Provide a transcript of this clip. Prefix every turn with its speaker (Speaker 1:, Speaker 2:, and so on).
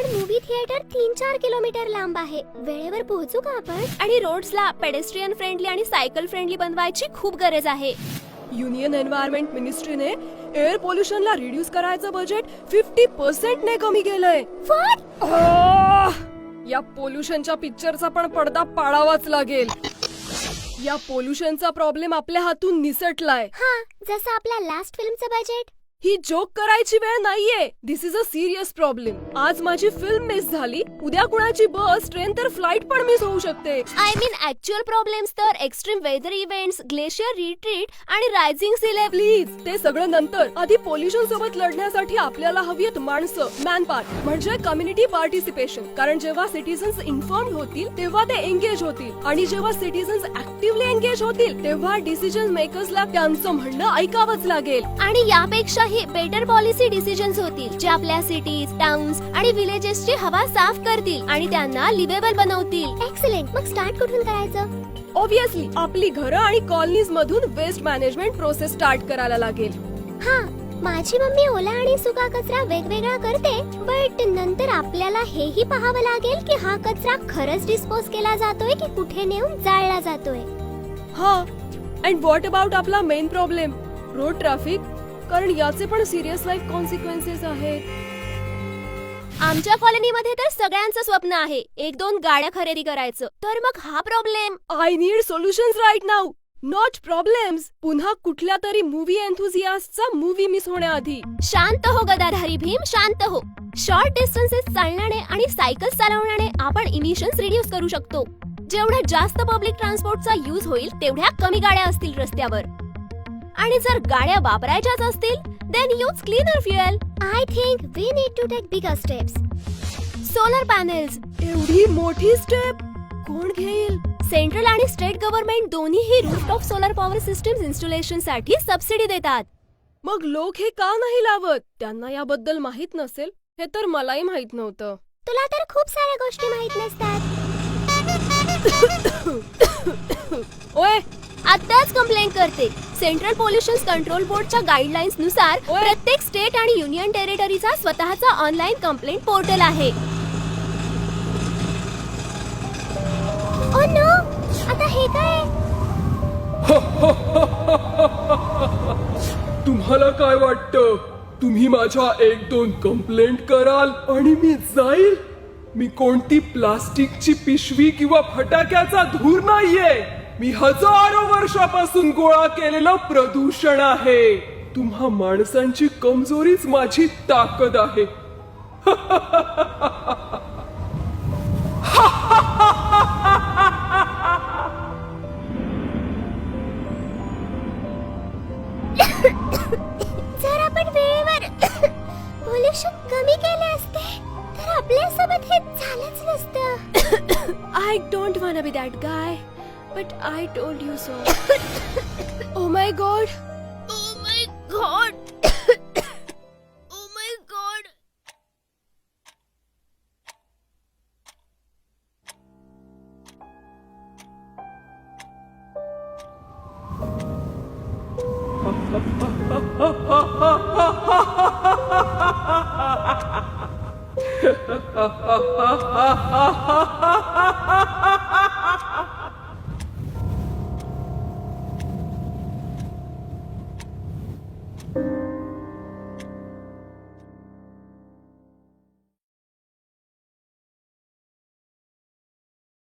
Speaker 1: पण movie theatre 3-4 kilometre लांब आहे. वेळेवर पोहोचू का आपण?
Speaker 2: आणि रोड्सला पेडेस्ट्रियन फ्रेंडली आणि सायकल फ्रेंडली बनवायची खूप गरज आहे.
Speaker 3: युनियन एन्व्हायरमेंट मिनिस्ट्रीने एअर पोल्युशनला रिड्यूस करायचं बजेट 50% ने कमी केलंय. या पोल्युशनच्या पिक्चरचा पण पडदा पाडावाच लागेल. या पोल्युशनचा प्रॉब्लेम आपल्या हातून निसटलाय.
Speaker 1: हा, जसं आपल्या लास्ट फिल्मचं बजेट.
Speaker 3: ही जोक करायची वेळ नाहीये. This is a serious problem. आज माझी फिल्म मिस झाली, उद्या कुणाची बस, ट्रेन तर फ्लाइट पण मिस होऊ शकते.
Speaker 2: आय मीन ऍक्च्युअल प्रॉब्लेम्स तर extreme weather events, glacier retreat आणि रायझिंग सी लेव्हल.
Speaker 3: प्लीज ते सगळं नंतर. आधी पोल्युशन सोबत लढण्यासाठी आपल्याला हवीत माणसं, मॅनपॉवर, म्हणजे कम्युनिटी पार्टिसिपेशन. कारण जेव्हा सिटीजन्स इन्फॉर्म्ड होतील तेव्हा ते एंगेज होतील, आणि जेव्हा सिटीजन्स ऍक्टिव्हली एंगेज होतील तेव्हा डिसिजन मेकर्सला त्यांचं म्हणणं ऐकावंच लागेल.
Speaker 2: आणि यापेक्षा बेटर पॉलिसी डिसिजन्स होतील जे आपल्या सिटीज, टाउन्स आणि विलेजेसची हवा साफ करतील आणि त्यांना लिव्हेबल बनवतील.
Speaker 1: एक्सलेंट. मग स्टार्ट कुठून करायचं?
Speaker 3: ऑब्विसली आपली घरं आणि कॉलनीज मधून वेस्ट मॅनेजमेंट प्रोसेस स्टार्ट करायला लागेल.
Speaker 1: हा, माझी मम्मी ओला आणि सुका कचरा वेगवेगळा करते, बट नंतर आपल्याला हेही पाहावं लागेल की हा कचरा खरंच डिस्पोज केला जातोय की कुठे नेऊन जाळला जातोय.
Speaker 3: हा, अँड व्हॉट अबाउट आपला मेन प्रॉब्लेम, रोड ट्रॅफिक. कारण याचे पण सिरियस लाईफ कॉन्सिक्वेन्सेस आहेत.
Speaker 2: आमच्या कॉलनीमध्ये तर सगळ्यांचं स्वप्न आहे 1-2 गाड्या खरेदी करायचं. तर मग हा problem.
Speaker 3: I need solutions right now, not problems. पुन्हा कुठल्या तरी मूवी एन्थुझियास्टचा मूवी मिस होण्याआधी.
Speaker 2: शांत हो गदाधारी भीम, शांत हो. शॉर्ट डिस्टन्सेस चालण्याने आणि सायकल चालवण्याने आपण इमिशन्स रिड्यूस करू शकतो. जेवढा जास्त पब्लिक ट्रान्सपोर्टचा यूज होईल तेवढ्या कमी गाड्या असतील रस्त्यावर. आणि जर गाड्या वापरायच्याच असतील then use cleaner fuel.
Speaker 1: I think we need to take bigger steps.
Speaker 2: Solar panels.
Speaker 3: एवढी मोठी स्टेप कोण घेईल?
Speaker 2: सेंट्रल आणि स्टेट गव्हर्नमेंट दोन्हीही rooftop solar power systems installation साठी सबसिडी देतात.
Speaker 3: मग लोक हे का नाही लावत? त्यांना याबद्दल माहित नसेल हे तर मलाही माहित नव्हतं.
Speaker 1: तुला तर खूप साऱ्या गोष्टी माहित नसतात.
Speaker 3: ओय,
Speaker 2: आताच कंप्लेंट करते. सेंट्रल पोल्युशन कंट्रोल बोर्डच्या गाईडलाईन्स नुसार प्रत्येक स्टेट आणि युनियन टेरिटरीचा स्वतःचा ऑनलाईन कंप्लेंट पोर्टल आहे.
Speaker 1: ओ नो, आता हे काय?
Speaker 4: तुम्हाला काय वाटतं? तुम्ही माझ्या 1-2 कंप्लेंट कराल आणि मी जाईल? मी कोणती प्लास्टिकची पिशवी किंवा फटाक्याचा धूर नाहीये. मी हजारो वर्षापासून गोळा केलेलं प्रदूषण आहे. तुम्हा माणसांची कमजोरीच माझी ताकद आहे.
Speaker 1: जर आपण वेळेवर पोल्युशन कमी केले असते तर आपल्यासोबत हे झालंच नसतं.
Speaker 3: I don't wanna be that guy, but I told you so. Oh my God.
Speaker 2: Oh my God. Oh my God.
Speaker 4: Ha ha ha ha ha ha ha ha ha ha.